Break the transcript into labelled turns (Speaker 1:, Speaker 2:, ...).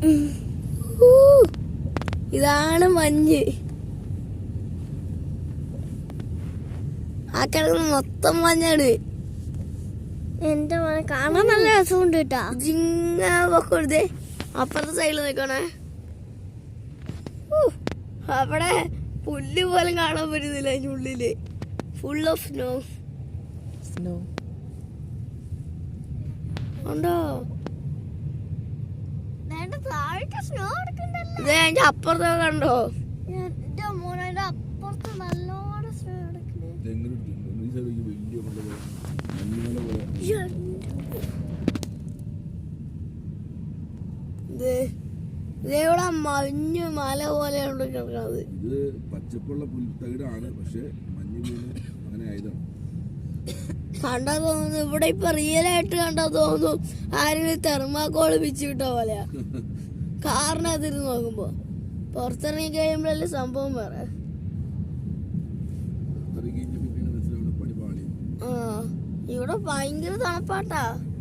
Speaker 1: ഇതാണ് മഞ്ഞ്. ആ കിടക്കുന്ന മൊത്തം മഞ്ഞാണ്.
Speaker 2: എന്റെ മോനെ കാണാൻ നല്ല രസമുണ്ട് കേട്ടാ.
Speaker 1: ജിങ്ങ അപ്പുറത്തെ സൈഡിൽ നിൽക്കണേ. അവിടെ പുല്ല് പോലും കാണാൻ പറ്റുന്നില്ല. അതിൻ്റെ ഉള്ളില് ഫുൾ ഓഫ് സ്നോ. ഉണ്ടോ?
Speaker 2: സ്നോ
Speaker 1: അതിന്റെ അപ്പുറത്തൊക്കെ കണ്ടോ?
Speaker 2: എന്റെ മോനെ അപ്പുറത്ത് നല്ലോണം സ്നോ
Speaker 1: ഇവിടെ മഞ്ഞ് മല പോലെയാണ് കിടക്കുന്നത്.
Speaker 3: ഇത് പച്ചപ്പുള്ള പുൽത്തകിടാണ്, പക്ഷെ മഞ്ഞ് വീണ് അങ്ങനെ ആയതാണ്.
Speaker 1: കണ്ടാ തോന്നുന്നു ഇവിടെ ഇപ്പൊ റിയൽ ആയിട്ട് കണ്ടാ തോന്നുന്നു ആരെങ്കിലും തെർമാക്കോള് പിച്ചിട്ട പോലെയാ. കാറിനകത്തിരുന്ന് നോക്കുമ്പോ. പുറത്തിറങ്ങി കഴിയുമ്പോഴല്ലേ സംഭവം വേറെ. ആ ഇവിടെ ഭയങ്കര തണുപ്പാട്ടാ.